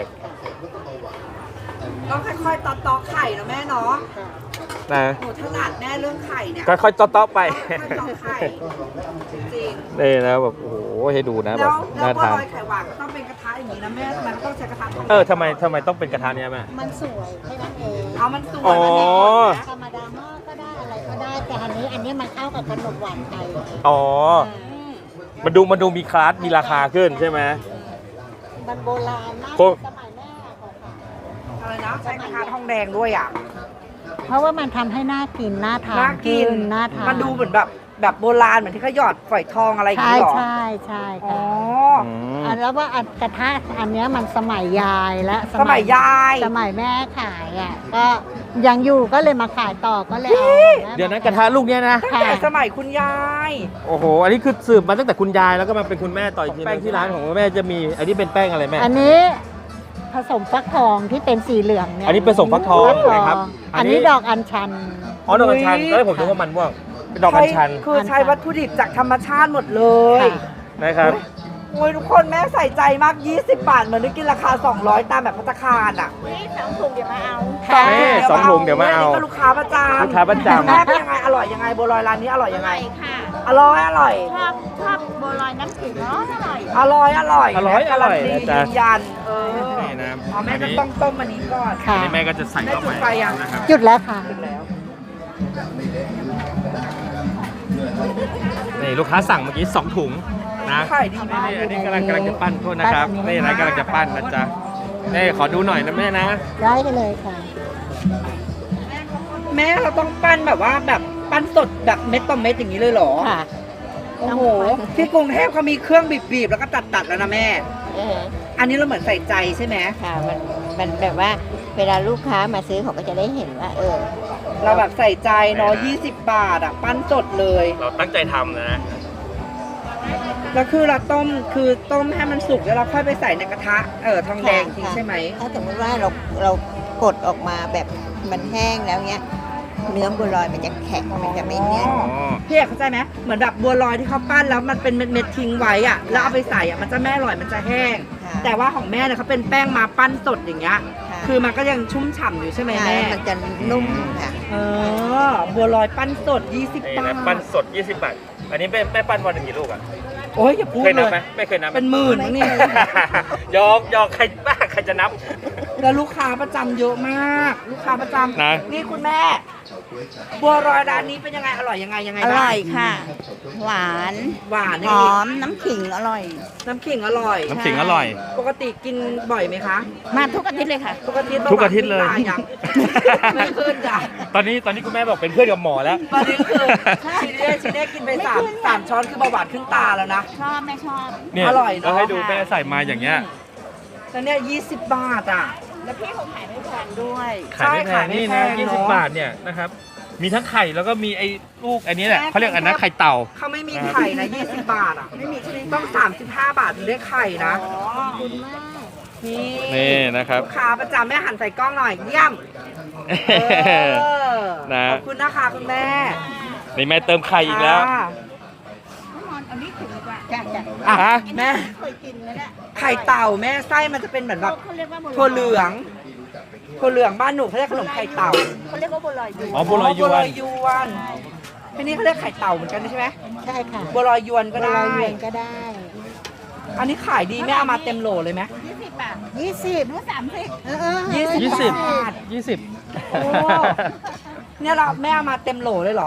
Speaker 3: ต้องค่อยๆตอกตอกไข่นะแม่เนาะ
Speaker 2: ค่ะ
Speaker 1: นะ
Speaker 3: หนูถนัดแม่เรื่องไข่เนี่ย
Speaker 1: ค่อยๆต๊อกๆไป
Speaker 3: ค่อยๆตอกไข่จริง
Speaker 1: นี่นะแบบโอ้โหให้ดูนะ
Speaker 3: ๆ
Speaker 1: แบ
Speaker 3: แล้
Speaker 1: บ
Speaker 3: วแล้ว
Speaker 1: น่า
Speaker 3: บัว
Speaker 1: ทาน
Speaker 3: ลอยไข่หวานก็ต้องเป็นกระทะอย่างนี้นะแม่มันก็ต้องใช้กระทะทองแดง
Speaker 1: เออทำไมทำไมต้องเป็นกระทะเนี้ยแม่
Speaker 2: มันสวยแค่นั้นเอง
Speaker 3: เอามันสวย
Speaker 1: อ๋อ
Speaker 3: มันไม่หมดนะ
Speaker 2: ธรรมดาหม้อก็ได้อะไรก็ได้ แต่อันนี้อันนี้มันเข้ากับขนมหวานไทย
Speaker 1: อ๋อ
Speaker 3: อืม
Speaker 1: มันดูมันดูมีคลาสมีราคาขึ้นใช่ไหม
Speaker 2: มันโบราณมาก
Speaker 1: โค
Speaker 2: สมัยแม่ของค่ะ
Speaker 3: อะไรนะใช้กระทะทองแดงด้วยอ่ะ
Speaker 2: เพราะว่ามันทำให้น่ากินน่าทาน
Speaker 3: น่ากิน
Speaker 2: ขึ้น่าทาน
Speaker 3: มันดูเหมือนแบบแบบโบราณเหมือนที่เขาหยอดฝอยทองอะไรอย่าง
Speaker 2: ใช่
Speaker 3: นี้หรอ
Speaker 2: ใช่ใช่
Speaker 3: อ๋อ
Speaker 2: ค่ะ
Speaker 1: อืม
Speaker 2: อันแล้วว่าอันกระทะอันเนี้ยมันสมัยยายและ
Speaker 3: สมัยยาย
Speaker 2: สมัยแม่ขายอ่ะก็ยังอยู่ก็เลยมาขายต่อก็เลยเอา
Speaker 1: เดี๋ยวนะกระทะลูกเนี้ยนะ
Speaker 3: ตั้งแต่สมัยคุณยาย
Speaker 1: โอ้โห อันนี้คือสืบมาตั้งแต่คุณยายแล้วก็มาเป็นคุณแม่ต่ออีกทีแป้งที่ร้านของแม่จะมี อันนี้เป็นแป้งอะไรแม่
Speaker 2: อันนี้ผสมฟักทองที่เป็นสีเหลืองเนี่ย
Speaker 1: อันนี้ผสมฟักทอง
Speaker 2: ฟักทอง
Speaker 1: นะครับอั
Speaker 2: อั
Speaker 1: น
Speaker 2: น
Speaker 1: นี้
Speaker 2: นี้ดอกอัญชัน
Speaker 1: อ๋อดอกอัญชันก็ได้ผมนึกว่ามันม่วงเป็นดอกอัญชัน
Speaker 3: ใช้คือใช้วัตถุดิบจากธรรมชาติหมดเลย
Speaker 2: ค่ะ
Speaker 1: นะครับ
Speaker 3: โอ้ยทุกคนแม่ใส่ใจมาก ยี่สิบบาทเหมือนได้กินราคา สองร้อย ตามแบบพัตตาคารอ่ะ
Speaker 4: นี่สองถุงเดี๋ยวมาเอา
Speaker 1: แม่สองถุงเดี๋ยวมาเอา
Speaker 3: นนี้ก็ลูกค้าประจำ
Speaker 1: ลูกค้าประจำ
Speaker 3: แม่เป็นยังไงอร่อยยังไงบัวลอยร้านนี้อร่อยยังไง
Speaker 4: ค่ะ
Speaker 3: อร่อยอร่อย
Speaker 4: ชอบชอบบัวลอยน้ำขิงเนาะอร่อย
Speaker 3: อร่อยอร่อย
Speaker 1: อร่อยอร่อย
Speaker 3: การันตี
Speaker 1: นะจ๊ะ
Speaker 3: ยืนยันเออ
Speaker 1: นี่นะ
Speaker 3: อ๋อแม่
Speaker 1: อัน
Speaker 3: จะ
Speaker 1: นี้
Speaker 3: ต้องต้มอันนี้ก่อน
Speaker 2: ค่ะ
Speaker 1: อันนี้แม่ก็จะใส่
Speaker 3: แม่
Speaker 1: เข้า
Speaker 3: จุ
Speaker 1: ไป
Speaker 3: ดไฟยัง
Speaker 1: นะครับ
Speaker 2: หยุดแล้วค่ะ
Speaker 3: จุดแล้ว
Speaker 1: นี่ลูกค้าสั่งเมื่อกี้สองถุงนะ
Speaker 3: ขายดีมาก
Speaker 1: นี่อันนี้กำลังกำลังจะปั้นโทษนะครับ
Speaker 2: ปั้นอันนี้
Speaker 1: นี่นะกำลังจะปั้นนะจ๊ะนี่ขอดูหน่อยนะแม่นะ
Speaker 2: ได้เลยค่ะ
Speaker 3: แม่เราต้องปั้นแบบว่าแบบปั้นสดแบบเม็ดต่อเม็ดอย่างนี้เลยเหรอ
Speaker 2: ค่ะ
Speaker 3: โอ้โหที่กรุงเทพเขามีเครื่องบีบๆแล้วก็ตัดๆแล้วนะแม่
Speaker 5: เออ
Speaker 3: อันนี้เราเหมือนใส่ใจใช่ไหม
Speaker 5: ค่ะมันมันแบบว่าเวลาลูกค้ามาซื้อเขาก็จะได้เห็นว่า เออ
Speaker 3: เราแบบใส่ใจเนาะยี่สิบบาทอ่ะปั้นสดเลย
Speaker 1: เราตั้งใจทำนะ
Speaker 3: แล้วคือเราต้มคือต้มให้มันสุกแล้วเราค่อยไปใส่ในกระทะเออทองแดงจริง
Speaker 5: ค่ะ
Speaker 3: ใช่ไหม
Speaker 5: ถ้าสมมติว่าเราเรากดออกมาแบบมันแห้งแล้วเนี้ย เนื้อบัวลอยมันจะแข็งมันจะไม่เนียน
Speaker 1: อ๋อ
Speaker 3: พี่เอกเข้าใจไหมเหมือนแบบบัวลอยที่เขาปั้นแล้วมันเป็นเม็ดๆทิ้งไว้อ่ะแล้วเอาไปใส่อ่ะมันจะไม่อร่อยมันจะแห้ง
Speaker 5: ค่ะ
Speaker 3: แต่ว่าของแม่เนี่ยเขาเป็นแป้งมาปั้นสดอย่างเงี้ย
Speaker 5: ค่ะ
Speaker 3: คือมันก็ยังชุ่มฉ่ำอยู่ใช่ไหม
Speaker 5: ใช่
Speaker 3: แม่
Speaker 5: มันจะนุ่มค่ะ
Speaker 3: เออบัวลอยปั้นสดยี่สิบ
Speaker 1: นี่
Speaker 3: บา
Speaker 1: นะ
Speaker 3: ท
Speaker 1: ปั้นสดยี่สิบบาท อันนี้แม่แม่ปั้นวันหนึ่งกี่ลูกอ่ะ
Speaker 3: โอ้ยอย่าพูด
Speaker 1: เคย
Speaker 3: เล
Speaker 1: นับ
Speaker 3: ย
Speaker 1: ไหมไม่เคยนับไหม
Speaker 3: เป็นหมื่นมั้งเนี่ย
Speaker 1: ยอกยอกใครบ้าใครจะนับ
Speaker 3: แล้วลูกค้าประจำเยอะมาก ลูกค้าประจำ
Speaker 1: นะ
Speaker 3: นี่คุณแม่ บัวลอยร้านนี้เป็นยังไงอร่อยยังไงยังไง
Speaker 5: อ
Speaker 3: บ้าง
Speaker 5: ร่อยค่ะ หวาน
Speaker 3: หวาน
Speaker 5: ห
Speaker 3: นี่
Speaker 5: อมน้ำขิงอร่อย
Speaker 3: น้ำขิงอร่อย
Speaker 1: น้ำขิงอร่อย
Speaker 3: ปกติกินบ่อยไหมคะ
Speaker 5: มาทุกอาทิตย์เลยค่ะ
Speaker 3: ทุกอาทิตย์
Speaker 1: ทุกอาทิตย์เลย
Speaker 3: ประวัติขึ้นตายังไม่ขึ้นจ้ะ
Speaker 1: ตอนนี้ตอนนี้คุณแม่บอกเป็นเพื่อนกับหมอแล้ว
Speaker 3: ตอนนี้คือชิเน่ชิเน่กินไปสามสามช้อนคือเบาหวานขึ้นตาแล้วนะ
Speaker 5: ชอบไม่ชอบ
Speaker 1: เนี่ย
Speaker 3: อร่อยเนอะ
Speaker 1: เราให้ดูแม่ใส่มาอย่างเงี้ย
Speaker 3: แล้วเนี่ยยี่สิบบาทอ่ะ
Speaker 5: แล้วพี่เขาขายไม่แพงด้วย
Speaker 1: ขายไม่แพ
Speaker 3: ใช่ขาง ยไม่
Speaker 1: นี่
Speaker 3: แพ
Speaker 1: นะ
Speaker 3: ง
Speaker 1: ยี่สิบ
Speaker 3: เนอะ
Speaker 1: บาทเนี่ยนะครับ มีทั้งไข่แล้วก็มีไอ้ลูกอันนี้แหละ
Speaker 3: แม่
Speaker 1: เขาเรียกอันนั้นไข่เต่า
Speaker 3: เขาไม่มีไข่นะยี่สิบบาทอ่ะไม่มีต้องสามสิบห้าบาทถึงได้ไข่นะนี่
Speaker 1: นี่นะครับ
Speaker 3: ลูกค้าประจำแม่หันใส่กล้องหน่อยเยี่ยมเออ
Speaker 1: นะ
Speaker 3: ขอบคุณนะคะคุณแม่
Speaker 1: นี่แม่เติมไข่อีกแล้ว
Speaker 3: ค่ะ
Speaker 5: จ้ะจ้ะ
Speaker 3: อ่ะ
Speaker 1: อ่ะ
Speaker 3: แม่
Speaker 5: เคยกินแล้วเนี่ย
Speaker 3: ไข่เต่าแม่ไส้มันจะเป็นเหมือนแบบ
Speaker 5: เขาเรียกว่าบัวลอย
Speaker 3: ถั่วเหลืองถั่วเหลืองบ้านหนูเขาเรียกขนมไข่เต่า
Speaker 5: เขาเรียกว่าบัวลอยอยู่
Speaker 1: อ๋อบัวลอยยวน
Speaker 3: บัวลอยยวนที่นี่เขาเรียกไข่เต่าเหมือนกันใช่ไหม
Speaker 2: ใช่ค่ะ
Speaker 3: บัวลอยยวนก็
Speaker 2: บัวล
Speaker 3: ได้
Speaker 2: อยเวียนก็ได้
Speaker 3: อันนี้ขายดีแม่เอามาเต็มโหลเลยไหม
Speaker 5: ยี่สิบบาท
Speaker 2: ยี่สิบ
Speaker 5: หรือสามสิบ
Speaker 2: เออเออ
Speaker 3: ยี่สิบ
Speaker 1: ยี่สิบ
Speaker 3: บาท
Speaker 1: ยี่สิบ
Speaker 3: โอ้เนี่ยเราแม่เอามาเต็มโหลเลยเหรอ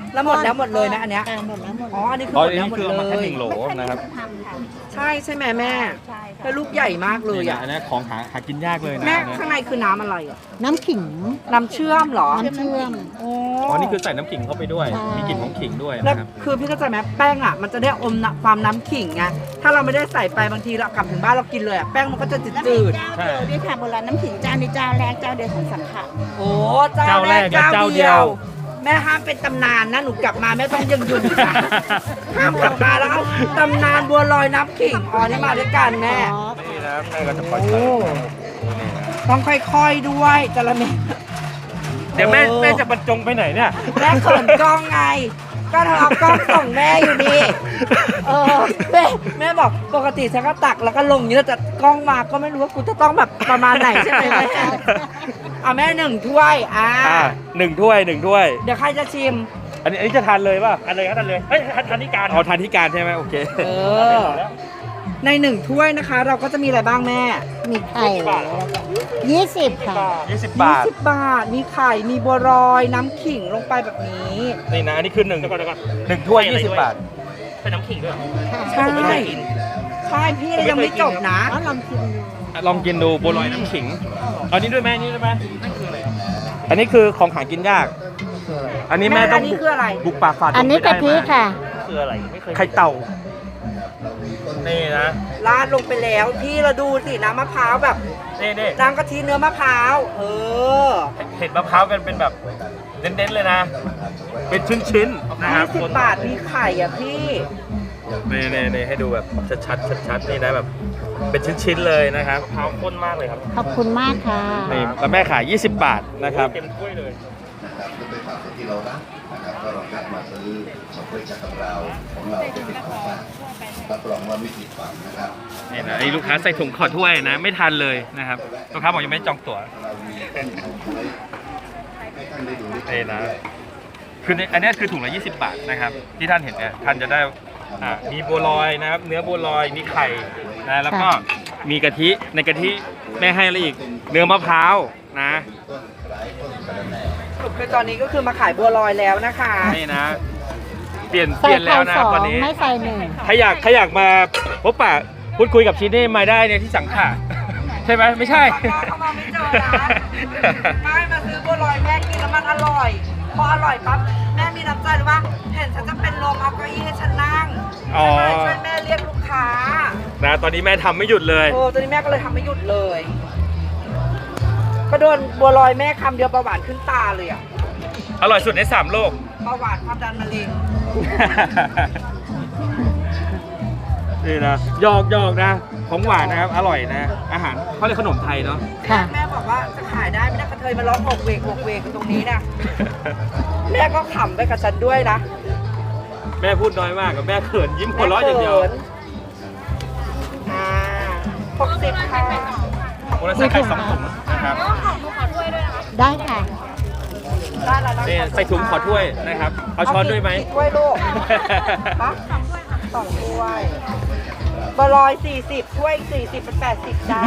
Speaker 3: แล้วหมดแล้วหมดเลยไหมอันเนี้ย
Speaker 2: อ่าหมดแล้วหมด
Speaker 3: อ๋อ
Speaker 2: แล้ว
Speaker 3: อันนี้คือ
Speaker 1: อ๋
Speaker 3: ห
Speaker 1: อ
Speaker 3: มด
Speaker 1: อัน
Speaker 3: แล้ว
Speaker 1: นี้
Speaker 3: หมด
Speaker 1: คือเอามา
Speaker 3: เล
Speaker 1: แค่
Speaker 3: ย
Speaker 1: หนึ่งโหลนะครับ
Speaker 4: ทำค่ะ
Speaker 3: ใช่ใช่ไหมแม่
Speaker 4: ใช่ค่ะ
Speaker 3: แล้วลูกใหญ่มากเลย
Speaker 1: นี่นะ
Speaker 3: อ่ะ
Speaker 1: อันนี้ของหาหากินยากเลยนะ
Speaker 3: แม่
Speaker 1: อันเนี้ย
Speaker 3: ข้างในคือน้ำอะไรอ่ะ
Speaker 2: น้ำขิง
Speaker 3: น้ำเชื่อมเหรอ
Speaker 2: น้ำเชื่อม
Speaker 3: โอ้
Speaker 1: อ๋อนี่คือใส่น้ำขิงเข้าไปด้วย
Speaker 2: ใช่
Speaker 1: มีกลิ่นของขิงด้วย
Speaker 3: แล้ว
Speaker 1: นะครับ
Speaker 3: คือพี่เข้าใจไหมแป้งอ่ะมันจะได้อมน้ำความน้ำขิงไงถ้าเราไม่ได้ใส่ไปบางทีเรากลับถึงบ้านเรากินเลยอ่ะแป้งมันก็จะจืด
Speaker 4: แล้ว
Speaker 3: จื
Speaker 4: มี
Speaker 3: ด
Speaker 4: เจ้าเดียวด้วยค่ะโบราณน้ำขิงเจ้านี้เจ้าแรกเจ้าเดียวของสังขะ
Speaker 3: ๆโอ้เจ้าแรก
Speaker 1: เจ้าแรกและ
Speaker 3: เจ้า
Speaker 1: เจ้าเดี
Speaker 3: เดี
Speaker 1: ย
Speaker 3: ยว ว แม่ห้ามเป็นตำนานนะหนูกลับมาแม่ต้องยังยืนอยู่ค่ะห้ามกลับมาแล้วเอาตำนานบัวลอยน้ำขิงอ๋อนี่มาด้วยกันแม่
Speaker 2: อ๋อ
Speaker 1: นี่นะแม่ก็จะปล่อย
Speaker 3: โอ้
Speaker 1: นี่นะ
Speaker 3: ต้องค่อยๆด้วยจระเม
Speaker 1: เดี๋ยวแม่
Speaker 3: โอ้
Speaker 1: แม่จะบรรจงไปไหนเนี่ย
Speaker 3: แม่เขินกล้องไง ก็เธอเอากล้องส่งแม่อยู่นี่เออแม่แม่บอกปกติฉันก็ตักแล้วก็ลงอย่างนี้แล้วแต่กล้องมาก็ไม่รู้ว่ากูจะต้องแบบประมาณไหนใช่ไหมแม่เอาแม่หนึ่งถ้วยอ่า
Speaker 1: อ่าหนึ่งถ้วยหนึ่งถ้วย
Speaker 3: เดี๋ยวใครจะชิม
Speaker 1: อันนี้อันนี้จะทานเลยป่ะทานเลยครับทานเลยเฮ้ยทานทานที่การอ๋อทานที่การใช่ไหมโอเค
Speaker 3: เออ ในหนึ่งถ้วยนะคะ เราก็จะมีอะไรบ้างแม่
Speaker 2: มีไข่ยี่สิบค่ะ
Speaker 1: ยี่สิบบาท
Speaker 3: สิบบาท มีไข่ มีบัวรอย น้ำขิงลงไปแบบนี้
Speaker 1: นี่นะอันนี้คือหนึ่งหนึ่งถ้วยยี่สิบบาท
Speaker 3: ใช่
Speaker 1: ผมไม่เคยกิน
Speaker 3: ใช่พี่เรายังไม่จบนะ
Speaker 2: อ๋อลองชิมดู
Speaker 1: ลองกินดูบัวลอยน้ำขิงเอานี้ด้วยแม่นี่ด้วยไหมอันนี้คือของหากินยาก อันนี้แม่ต้อง
Speaker 3: แม่อันนี้คืออะไร
Speaker 1: บุกป่าฝ่าดง
Speaker 2: อันนี้
Speaker 1: ไปได้
Speaker 2: กะทิ
Speaker 1: มา
Speaker 2: ค่ะ
Speaker 1: คืออะไรไม่เคยไข่เต่า นี่นะ
Speaker 3: ราดลงไปแล้วพี่เราดูสิน้ำมะพร้าวแบบ
Speaker 1: นี่นี่
Speaker 3: น้ำกะทิเนื้อมะพร้าว เออ
Speaker 1: เห็ดมะพร้าวกันเป็นแบบเน้นๆเลยนะ เป็นชิ้นๆนะครับ
Speaker 3: ยี่สิบบาทมีไข่อ่ะพี่
Speaker 1: นี่นี่นี่ให้ดูแบบชัดๆชัดๆนี่นะแบบเป็นชิ้นๆเลยนะครับมะพร้าวข้นมากเลยครับ
Speaker 2: ขอบคุณมากค่ะ
Speaker 1: นี่แล้วแม่ขายยี่สิบบาทนะครับเต็มถ้วยเลย
Speaker 6: นะครับและเป็นของที่เรารักนะครับก็ลองนัดมาซื้อของบริษัทของเราของเราจะเป็นของฝากรับรองว่าไม่ผิดหวังนะครับ
Speaker 1: นี่นะไอ้ลูกค้าใส่ถุงขอถ้วยนะ ไม่ทันเลยนะครับลูกค้าบอกยังไม่จองตั๋ว
Speaker 6: เรามีของไว้ให้ท่านได้ดูได้ช
Speaker 1: นี่
Speaker 6: ม
Speaker 1: นะ
Speaker 6: ด้วย
Speaker 1: คือในอันเนี้ยคือถุงละยี่สิบบาทนะครับที่ท่านเห็นเนี่ยท่านจะได้อ่ามีบัวลอยนะครับเนื้อบัวลอยมีไข่นะแล้วก็มีกะทิในกะทิแม่ให้อะไรอีกเนื้อมะพร้าวนะ
Speaker 3: สรุปคือตอนนี้ก็คือมาขายบัวลอยแล้วนะคะ
Speaker 1: นี่นะ เปลี่ยนเป
Speaker 2: ใส่
Speaker 1: ลี่ยนแล้
Speaker 2: ไข่
Speaker 1: วนะ
Speaker 2: สอง
Speaker 1: ตอนนี้
Speaker 2: ไม่ใส่หนึ่ง
Speaker 1: ใครอยากใครอยากมาพบปะพูดคุยกับชีเน่มาได้เนี่ยที่สังขะ ใช่ไหมไม่ใช่
Speaker 3: เข้ามาไม่เจอร้านไม่มาซื้อบัวลอยแม่กินแล้วมันอร่อย พออร่อยปั๊บแม่มีน้ำใจหรือว่าเห็นฉันจะเป็นลมเอาเก้าอี้ให้ฉันนั่ง
Speaker 1: อ๋อ
Speaker 3: ช่วยแม่เรียกลูกค้า
Speaker 1: นะตอนนี้แม่ทำไม่หยุดเลย
Speaker 3: โอ้ตอนนี้แม่ก็เลยทำไม่หยุดเลย ก็โดนบัวลอยแม่คำเดียวเบาหวานขึ้นตาเลยอะ
Speaker 1: อร่อยสุดในสามโลก
Speaker 3: เบาหวานความดันมะเร็ง
Speaker 1: นี่นะหยอกหยอกนะของหวานนะครับ อร่อยนะ อาหารเขาเรียกขนมไทยเนาะ
Speaker 2: ค่ะ
Speaker 3: แม่บอกว่าจะขายได้ไม่ได้กระเทยมาร้องหกเวกหกเวกอยู่ตรงนี้นะแม่ก็ขำไปกับฉันด้วยนะ
Speaker 1: แม่พูดน้อยมากกับแม่เขินยิ้มหัวเราะอย่างเดียว
Speaker 3: แม่ขินอ่าหกสิบค่ะ
Speaker 1: โมเลสไข่สองถุงนะครับ
Speaker 2: ได้ค่ะ
Speaker 3: ได้แล้วนะ
Speaker 1: นี่ใส่ถุงขอถ้วยนะครับ เอาช้อนด้วยไหม
Speaker 3: กี่ถ้วยลูกฮะสองถ้วยบะลอยสี่สิบถ้วยสี่สิบเป็นแปดสิบจ้า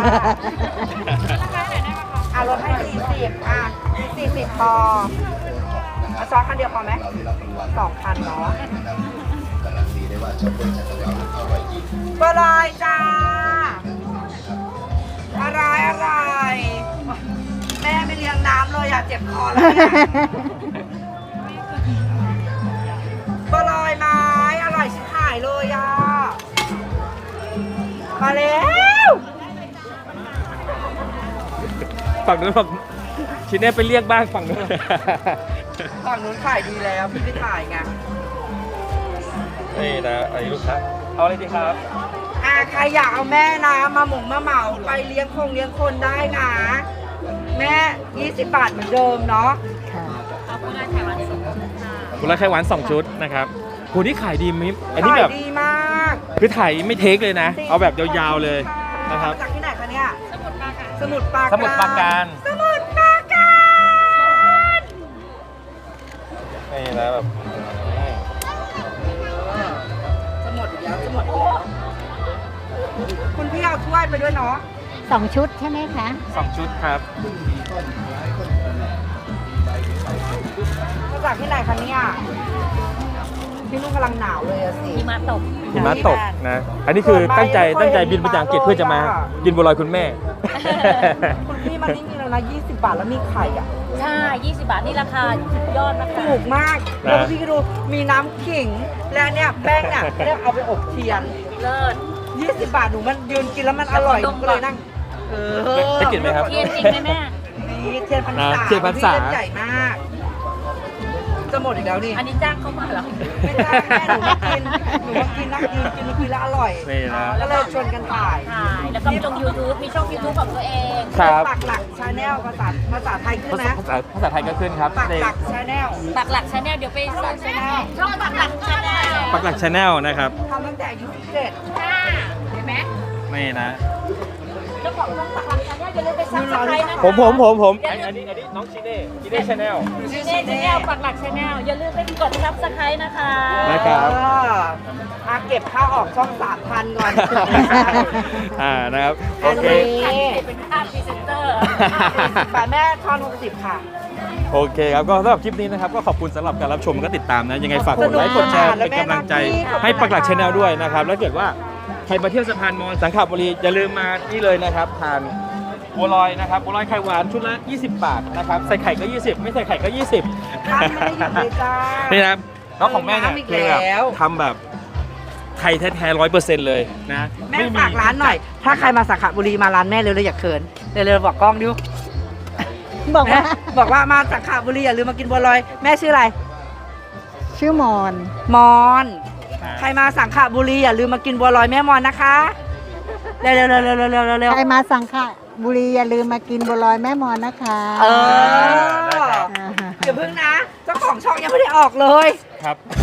Speaker 3: อ่ะลดให้สี่สิบอ่ะสี่สิบพอเอาซอสคันเดียวพอไหมสองคันเนาะ
Speaker 6: การันตีได้ว่าช็อปเปอร์จากเราอร่อยจริง
Speaker 3: บะลอยจ้าอะไรอะไรแม่ไม่เลี้ยงน้ำเลยอ่ะเจ็บคอแล้วเนี่ยบะลอยไม้อร่อยชิบหายเลยอ่ะมาแล้ว
Speaker 1: ฝั่งนู้นบอกชิเน่ไปเรียกบ้างฝั่งนู้น
Speaker 3: ฝั่งนู้นขายดีแล้วพี่ไม่ถ่ายไง
Speaker 1: นี่นะไอ้ลูกค้าเอาอะไรดีครับ
Speaker 3: อ่ะใครอยากเอาแม่นะมาหมงมาเหมาไปเลี้ยงคงเลี้ยงคนได้นะ แม่ยี่สิบบาทเหมือนเดิมเนาะ
Speaker 2: ค่ะ
Speaker 1: คุณละไข่หวานสองชุดนะครับโหนี่ขายดีมิมอันนี้
Speaker 3: ขา
Speaker 1: แบ
Speaker 3: ย
Speaker 1: บ
Speaker 3: ดีมาก
Speaker 1: คือถ่ายไม่เทคเลยนะ เอาแบบยาวๆเลยนะครับ
Speaker 3: มาจากที่ไหนคะเนี่ย สมุทรปราการ
Speaker 1: สมุทรปราการ
Speaker 3: สมุทรปราการ
Speaker 1: นี่นะแบบ
Speaker 3: สมุทรอีกแล้วสมุทรอีกแล้วคุณพี่เอาถ้วยไปด้วยเนาะ
Speaker 2: สองชุดใช่ไหมคะ
Speaker 1: สองชุดครับ
Speaker 3: กจากที่ไหนคะเนี่ยพี่นุ่งกำลังหนาวเลยอะสิ
Speaker 4: หิมะตก
Speaker 1: หิมะตกนะ อันนี้คือตั้งใจตั้งใจบินไปจากอังกฤษเพื่อจะมากินบัวลอยคุณแม่
Speaker 3: คุณพี่มันนี่มีแล้วนะยี่สิบบาทแล้วมีไข่อ่ะ
Speaker 4: ใช่ ยี่สิบบาทนี่ราคายอดนะคะ
Speaker 3: ถูกมาก
Speaker 1: นะ
Speaker 3: แล้วพี่ก็ดูมีน้ำขิง และเนี่ยแป้งเนี่ยเรียกเอาไปอบเทียน
Speaker 4: เลิศ
Speaker 3: ยี่สิบบาทหนูมันยืนกินแล้วมันอร่อยห
Speaker 4: ด
Speaker 3: นู
Speaker 4: ม
Speaker 3: ก็
Speaker 4: ก่
Speaker 3: เล
Speaker 4: อน
Speaker 3: ยนั่งเออ
Speaker 1: ได้กลิ่นไหมครับ
Speaker 4: เทียนจริงไหมแม่
Speaker 3: นี่เทียนพรรษา
Speaker 1: นะเทียนพรรษา
Speaker 3: พี่เล่นใหญ่มาก จะหมดอีกแล้วนี่
Speaker 4: อันนี้จ้างเขามาเหรอ
Speaker 3: ไม่ได้แม่หนูมากินหนูมากินนั่งยืนกินมากินแล้วอร่อย
Speaker 1: นี่นะ
Speaker 3: ก็เลยชวนกันถ่าย
Speaker 4: ถ่ายแล้วก็มีช่อง YouTube มีช่อง YouTube ของตัวเอง
Speaker 1: ครับ
Speaker 3: ปักหลักชาแนลภาษาภาษาไทยขึ้น
Speaker 1: ภาษา
Speaker 3: นะ
Speaker 1: ภาษาภาษาไทยก็ขึ้นครับ
Speaker 3: ปัก
Speaker 1: ใน
Speaker 3: หลักชาแนล
Speaker 4: ปักหลักชาแนลเดี๋ยวไปเสิร์ชช่องปักหลักชาแนล
Speaker 1: ปักหลักชาแนลนะครับ
Speaker 3: ทำตั้งแต่อายุสิบเจ็ด
Speaker 4: เห็นไหม
Speaker 1: นี่นะ
Speaker 4: เจ้าของช่องปักหลักชาแนลอย่าลืมไปซับสไครต์นะคะ
Speaker 1: ผมผมผมผมอันอันนี้อันนี้น้องชิเน่ชิเน่ชาแนล
Speaker 4: ชีเน่ชาแนลปักหลักชาแนลอย่าลืมไปกดซับสไครต์นะคะ
Speaker 1: นะครับ
Speaker 3: เอออาเก็บค่าออกช่องสามพันก่อน
Speaker 1: อ่านะครับโอเค
Speaker 4: เป็นค่าพรีเซนเตอร์
Speaker 3: ฝากแม่ทอนหกสิบค่ะ
Speaker 1: โอเคครับก็สำหรับคลิปนี้นะครับก็ขอบคุณสำหรับการรับชมก็ติดตามนะยังไงฝากกดไลค์กดแชร์เป็นกำลังใจให้ปักหลักชาแนลด้วยนะครับแล้วเกิดว่าใครมาเที่ยวสะพานมอญสังขบุรีอย่าลืมมานี่เลยนะครับทานบัวลอยนะครับบัวลอยไข่หวานชุดละยี่สิบบาทนะครับใส่ไข่ก็ยี่สิบไม่ใส่ไข่ก็ยี่สิบ
Speaker 3: ท่านไม่ได้หยุดเลยจ้า
Speaker 1: นี่นะครับน้องของแม่เนี่ย
Speaker 3: น้ำอีก
Speaker 1: คือแบบ
Speaker 3: แล้ว
Speaker 1: ทำแบบไทยแท้ๆร้อยเปอร์เซ็นต์เลยนะ
Speaker 3: แม่ฝากร้านหน่อย ถ้าใครมาสังขบุรีมาร้านแม่เร็วๆอย่าเขินเร็วๆบอกกล้องดิว
Speaker 2: บอกว่า
Speaker 3: บอกว่ามาสังขบุรีอย่าลืมมากินบัวลอยแม่ชื่ออะไร
Speaker 2: ชื่อมอน
Speaker 3: มอนใครมาสังขบุรีอย่าลืมมากินบัวลอยแม่มอนนะคะเร็วๆเร็วๆเร็วๆเร็วๆเร็ว
Speaker 2: ใครมาสังขบุรีอย่าลืมมากินบัวลอยแม่มอนนะคะ
Speaker 3: ๆเออ
Speaker 2: อ่า
Speaker 3: อย่าเพิ่งนะเจ้าของช่องยังไม่ได้ออกเลย
Speaker 1: ครับ